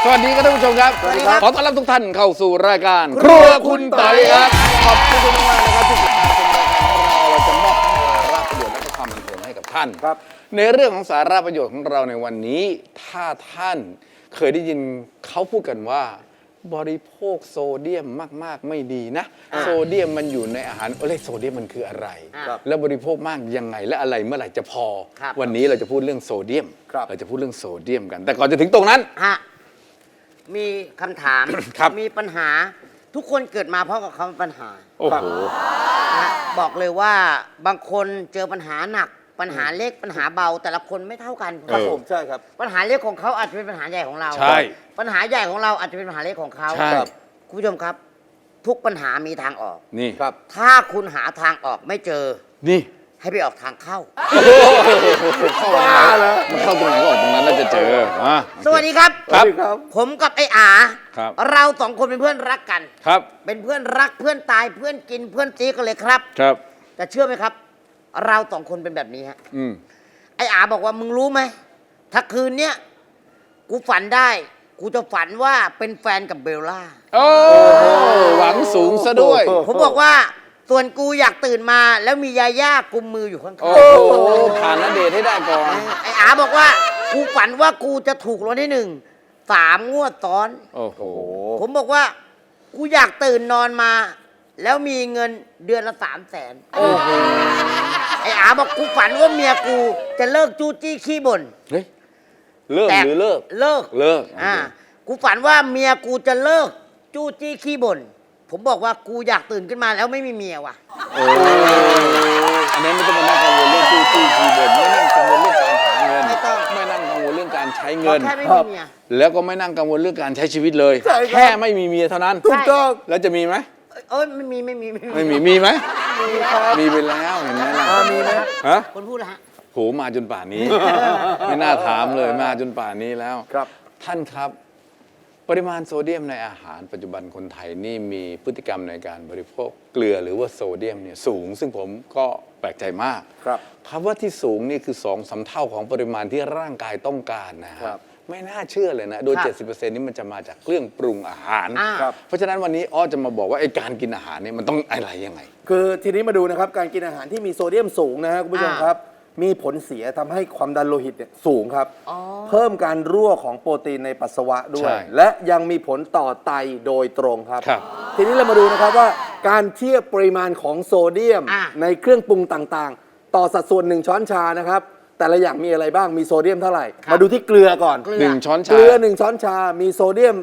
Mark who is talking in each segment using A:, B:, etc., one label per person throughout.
A: วัสดีครับท่านผู้ชมครับ
B: สวัสดีครับ
A: ขอต้อนรับทุกท่านเข้าสู่รายการครัวคุณไต่ครับขอบคุณมากๆนะครับที่ติดตามชมรายการของเราจะมอบทั้งสาระประโยชน์และก็ความบันเทิงให้กับท่าน
B: ครับ
A: ในเรื่องของสาระประโยชน์ของเราในวันนี้ ถ้าท่านเคยได้ยินเขาพูดกันว่า บริโภคโซเดียมมากๆไม่ดีนะ โซเดียมมันอยู่ในอาหารโซเดียมมันคืออะไร
B: ครับ
A: แล้วบริโภคมากยังไงและอะไรเมื่อไหร่จะพอ
B: ครับ
A: วันนี้เราจะพูดเรื่องโซเดียม
B: ครับ
A: เราจะพูดเรื่องโซเดียมกัน แต่ก่อนจะถึงตรงนั้น
C: ฮะมีคำถาม
A: ครับ
C: มีปัญหาทุกคนเกิดมาเพราะกับคำว่าปัญหา
A: โอ้โห
C: นะบอกเลยว่าบางคนเจอปัญหาหนัก ปัญหาเล็กปัญหาเบา แต่ละคนไม่เท่ากัน
B: ครับผมใช่ครับ
C: ปัญหาเล็กของเขาอาจจะเป็นปัญหาใหญ่ของเรา
A: ใช่
C: ปัญหาใหญ่ของเราอาจจะเป็นปัญหาเล็กของเขา
A: ใช่
C: คุณผู้ชมครับ ทุกปัญหามีทางออก
A: นี่
B: ครับ
C: ถ้าคุณหาทางออกไม่เจอ
A: นี่
C: ให้ไปออกทางเข้า
A: เข้ามาแล้วมันเข้าตรงไหนก็ออกตรงนั้นแล้วจะเจอมา
C: สวัสดีครับ
A: ครับ
B: ครับ
C: ผมกับไอ้อา
A: ครับ
C: เราสองคนเป็นเพื่อนรักกัน
A: ครับ
C: เป็นเพื่อนรักเพื่อนตายเพื่อนกินเพื่อนซีกันเลยครับ
A: ครับ
C: แต่เชื่อไหมครับ เราสองคนเป็นแบบนี้ฮะ
A: อืม
C: ไอ้อาบอกว่ามึงรู้ไหมถ้าคืนเนี้ยกูฝันได้ กูจะฝันว่าเป็นแฟนกับเบลล่า
A: โอ้หวังสูงซะด้วย
C: ผมบอกว่าส่วนกูอยากตื่นมาแล้วมียาย่ากุมมืออยู่ข้าง
A: โอ้โหผ่านณเดชน์ให้ได้ก่อน
C: ๆไอ้อาบอกว่ากูฝันว่ากูจะถูกรางวัลที่1 3 งวดซ้อน
A: โอ้โห
C: ผมบอกว่ากูอยากตื่นนอนมา แล้วมีเงินเดือนละ300,000
A: โอ้โห
C: ไอ้อาบอกกูฝันว่าเมียกูจะเลิกจู้จี้ขี้บ่น
A: เฮ้ยเลิก
C: แต่
A: หรือเลิก
C: เลิก
A: เลิก
C: กูฝันว่าเมียกูจะเลิกจู้จี้ขี้บ่นผมบอกว่ากูอยากตื่นขึ้นมาแล้วไม่มีเมียว่ะ
A: โอ้อันนี้ไม่ต้องมานั่งกังวลเรื่องตู้คีย์บอร์ดไม่นั่งกังวลเรื่องการหาเงิน
C: ไม่ต้อง
A: ไม่นั่งกังวลเรื่องการใช้
C: ขอ
A: เงิน
C: แค่ไม่มีเมีย
A: แล้วก็ไม่นั่งกังวลเรื่องการใช้ชีวิตเลย
B: ใช่ครับ
A: แค่ไม่มีเมียเท่านั้น
C: ถูกต้อง
A: แล้วจะมีไหม
C: เอ้ยไม่มี
A: ไม่มีมีไหม
B: มีครับ
A: มีไปแล้วเห็นไหมล่ะ
B: มีไหม
A: ฮะ
C: คนพูดนะฮะ
A: โหมาจนป่านนี้ ไม่น่าถามเลยมาจนป่านนี้แล้ว
B: ครับ
A: ท่านครับ ปริมาณโซเดียมในอาหารปัจจุบันคนไทยนี่มีพฤติกรรมในการบริโภคเกลือหรือว่าโซเดียมเนี่ยสูง ซึ่งผมก็แปลกใจมาก
B: ครับ
A: คำว่าที่สูงนี่คือ2-3 เท่าของปริมาณที่ร่างกายต้องการนะค
B: ครั
A: รับบ ไม่น่าเชื่อเลยนะ โดย
C: ครับ
A: 70%นี้มันจะมาจากเครื่องปรุงอาหาร
B: ครับ
A: เพราะฉะนั้นวันนี้อ้อจะมาบอกว่าไอ้การกินอาหารเนี่ยมันต้องอะไรยังไง
B: คือทีนี้มาดูนะครับการกินอาหารที่มีโซเดียมสูงนะฮะคุณผู้ชมครับ มีผลเสียทำให้ความดันโลหิตเนี่ยสูงครับ
C: อ๋อ
B: เพิ่มการรั่วของโปรตีนในปัสสาวะด้ว
A: ใช่
B: ย และยังมีผลต่อไตโดยตรงครับ
A: ครับ
B: ทีนี้เรามาดูนะครับว่าการเทียบปริมาณของโซเดียม
C: อ่ะ
B: ในเครื่องปรุงต่างๆ ต่อสัดส่วน 1 ช้อนชานะครับแต่ละอย่างมีอะไรบ้างมีโซเดียมเท่าไหร่ มาดูที่เกลือก่อน
C: เกลื
A: หนึ่งช้อน
B: เก
A: ชา
B: ลือ1 ช้อนชา มีโซเดียม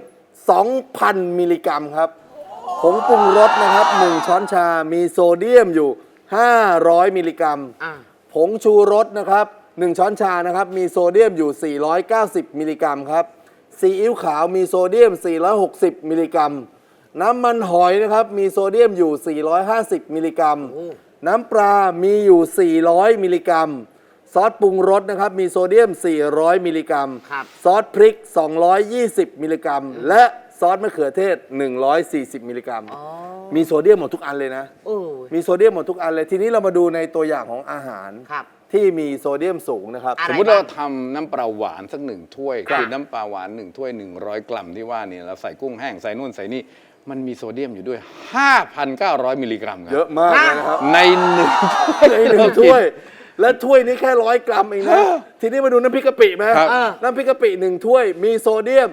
B: 2,000 มิลลิกรัมครับผงปรุงรสนะครับ1 ช้อนชา มีโซเดียมอยู่ 500 มิลลิกรัม
C: อ่า
B: ผงชูรสนะครับ1 ช้อนชานะครับมีโซเดียมอยู่ 490 มิลลิกรัมครับซีอิ๊วขาวมีโซเดียม 460 มิลลิกรัม น้ำมันหอยนะครับมีโซเดียมอยู่ 450 มิลลิกรัม น้ำปลา มีอยู่ 400 มิลลิกรัม ซอสปรุงรสนะครับมีโซเดียม 400 มิลลิกรัม
C: ครับ
B: ซอสพริก 220 มิลลิกรัม และซอสมะเขือเทศ 140 มิลลิกรัม มีโซเดียมหมดทุกอันเลยนะ
C: โอ้
B: มีโซเดียมหมดทุกอันเลย ทีนี้เรามาดูในตัวอย่างของอาหาร
C: ครับ
B: ที่มีโซเดียมสูงนะครับ
C: อะไร
A: สมมติเราทำน้ำปลาหวานสัก1 ถ้วย
B: ครับ
A: คือน้ำปลาหวาน1 ถ้วย 100 กรัมที่ว่านี่เราใส่กุ้งแห้งใส่นู่นใส่นี่มันมีโซเดียมอยู่ด้วย 5,900 มิลลิกรัมค
B: เย
A: รับ
B: อะมากเลยนะครับ
A: ในหนึ่ง
B: ในหนึ่งถ้วย และถ้วยนี้แค่100 กรัมเองนะ ทีนี้มาดูน้ำพริกกะปิไหม
A: ครับ
B: น้ำพริกกะปิ1 ถ้วย มีโซเดียม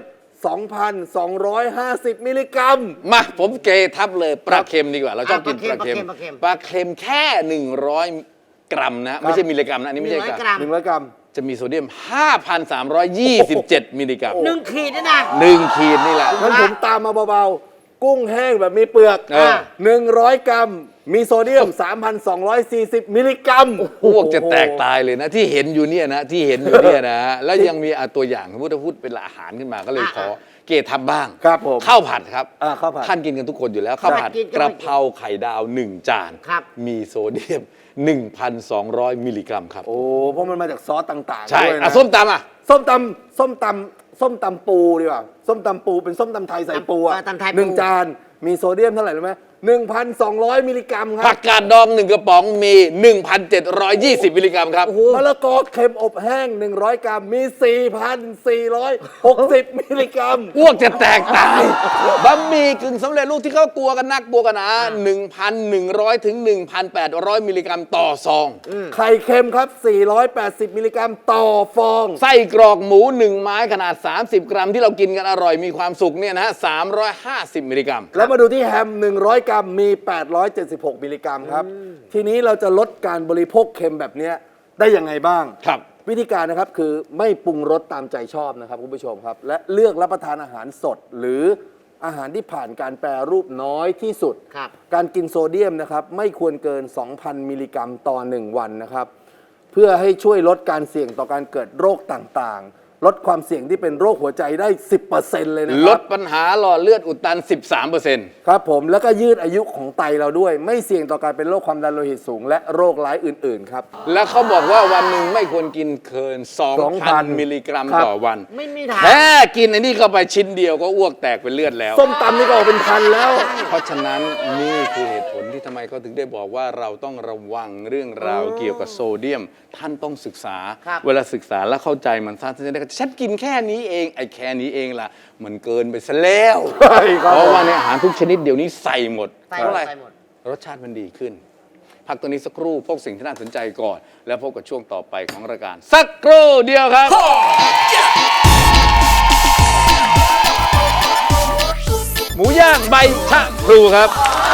B: 2,250 มิลลิกรัม
A: มาผมเกทับเลยปลาเค็มดีกว่า เราชอบกินปลาเค็ม
C: ปลาเค็ม
A: ปลาเค็มแค่ 100 กรัมนะ ไม่ใช่มิลลิกรัมนะอันนี้ไม่ใช่
C: 100
A: ก
C: ก
A: รั
C: รั
A: ม
C: ม
B: 100 กรัม
A: จะมีโซเดียม 5,327 มิลลิกรัม
C: 1 ขีดนี่นะ
A: 1 ขีดนี่แหละ
B: งั้นผมตามมาเบาๆ กุ้งแห้งแบบมีเปลือก
A: เออ
B: 100 กรัม มีโซเดียม 3,240 มิลลิกรัม
A: พวกจะแตกตายเลยนะ ที่เห็นอยู่เนี่ยนะที่เห็นอยู่เนี่ยนะแล้วยังมีตัวอย่างสมมติถ้าพูดเป็นอาหารขึ้นมาก็เลยขอเกทับบ้าง
B: ครับผม
A: ข้าวผัดครับ
B: ข้าวผัด
A: ท่านกินกันทุกคนอยู่แล้วข้าวผัด
C: กินกัน
A: กระเพราไข่ดาว 1 จาน
C: ครับ
A: มีโซเดียม 1,200 มิลลิกรัมครับ
B: โอ้เพราะมันมาจากซอสต่างๆ
A: ใช่
B: ด้วยนะ
A: ส้มตำอ่ะ
B: ส้มตำปูดีกว่าส้มตำปูเป็นส้มตำไทยใส่ปูอะ
C: ตำไทยปู
B: 1 จานมีโซเดียมเท่าไหร่รู้ไหม 1,200 มิลลิกรัมค
A: ผั
B: รับ
A: กกาดดอง1กระป๋องมี 1,720 มิลลิกรัมครับ
B: มะละกอเค็มอบแห้ง 100 กรัมมี 4,460 มิลลิกรัม
A: อ้วกจะแตกตายบะหมี่กึ่งสำเร็จรูปที่เขากลัวกันนักกลัวกันหนา 1,100 ถึง 1,800 มิลลิกรัมต่อซอง
B: ไข่เค็มครับ 480 มิลลิกรัมต่อฟอง
A: ไส้กรอกหมู 1 ไม้ขนาด 30 กรัมที่เรากินกันอร่อยมีความสุขเนี่ยนะฮะ 350 มิลลิกรัม
B: แล้วมาดูที่แฮม 100 กรัมมี 876 มิลลิกรัมครับ ทีนี้เราจะลดการบริโภคเค็มแบบเนี้ยได้ยังไงบ้าง
A: ครับ
B: วิธีการนะครับคือไม่ปรุงรสตามใจชอบนะครับคุณผู้ชมครับ และเลือกรับประทานอาหารสด หรืออาหารที่ผ่านการแปรรูปน้อยที่สุด
C: ครับ
B: การกินโซเดียมนะครับไม่ควรเกิน 2,000 มิลลิกรัมต่อ 1 วันนะครับ เพื่อให้ช่วยลดการเสี่ยงต่อการเกิดโรคต่างๆ ลดความเสี่ยงที่เป็นโรคหัวใจได้ 10% เลยนะค
A: ล
B: รั
A: ดปัญหาหลอดเลือดอุดตัน 13%
B: ครับผมแล้วก็ยืดอายุของไตเราด้วย ไม่เสี่ยงต่อการเป็นโรคความดันโลหิตสูง และโรคร้ายอื่นๆครับ
A: แล้วเขาบอกว่าวันหนึ่งไม่ควรกินเกิน 2,000
B: 2,000
A: มิลลิกรัม
B: ครับ
A: ต่อวัน
C: ไม่มีทาง
A: แค่กินอันนี้เข้าไปชิ้นเดียวก็อ้วกแตกเป็นเลือดแล้ว
B: ส้มตำนี่ก็ออกเป็นพันแล้ว
A: เพราะฉะนั้นนี่คือเหตุผลที่ทำไมเขาถึงได้บอกว่าเราต้องระวังเรื่องราวเกี่ยวกับโซเดียม ท่านต้องศึกษา
C: ครับ
A: เวลาศึกษาแล้วเข้าใจมันท่านจะได้ฉันกินแค่นี้เองไอ้แค่นี้เองล่ะ มันเกินไปซะแล้ว
B: ใช่ครับ
A: เพราะว่าในอาหารทุกชนิดเดี๋ยวนี้ใส่หมด
C: ใส่
A: เพราะอะไร
C: ใส่หมด
A: รสชาติมันดีขึ้น พักตัวนี้สักครู่พวกสิ่งที่น่าสนใจก่อน แล้วพบกับช่วงต่อไปของรายการ สักครู่เดียวครับ หมูย่างใบชะพลูครับ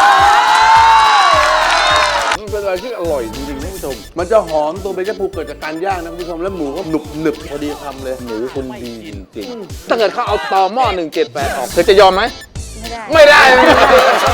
A: มันเป็นอะไรที่อร่อยจริงๆท่านผู้ชม
B: มันจะหอมตัวเบคอนพูเกิดจากการย่างนะคุณผู้ชมแล้วหมูก็หนุบหนึบพอดีคำเลย
A: หมูคุณดีจริงๆถ้าเกิดเขาเอาตอหม้อ178 ออกเธอจะยอมไหม
D: ไม่ได้
A: ไม่ได้